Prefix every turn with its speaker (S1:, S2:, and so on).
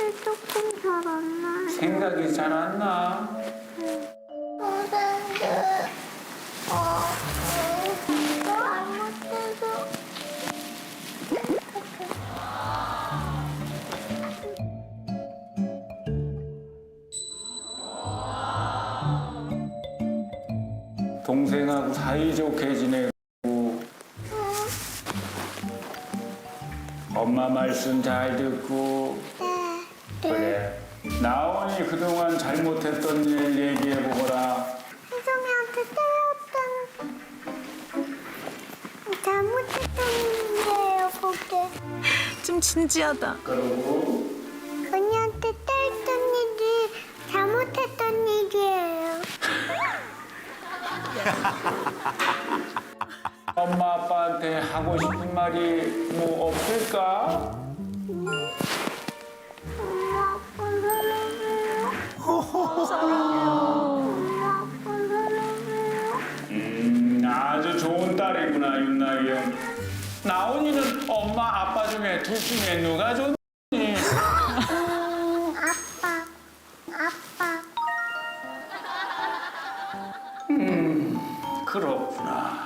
S1: 조금 잘 안 나요.
S2: 생각이 잘 안 나.
S1: 선생님, 잘못해서.
S2: 동생하고 사이좋게 지내고 엄마 말씀 잘 듣고
S1: 네.
S2: 그래. 나온이 그동안 잘못했던 일 얘기해보거라.
S1: 혜정이한테 때렸던 잘못했던 일이에요, 그게.
S3: 좀 진지하다.
S2: 그러고
S1: 언니한테 때렸던 일이 잘못했던 일이에요.
S2: 엄마 아빠한테 하고 싶은 말이 뭐 없을까?
S1: 엄마, 아빠 사랑해요. 엄마, 아빠 사랑해요.
S2: 아주 좋은 딸이구나 윤나이 형. 나온이는 엄마 아빠 중에 둘 중에 누가 좋니?
S1: 아빠, 아빠.
S2: 그렇구나.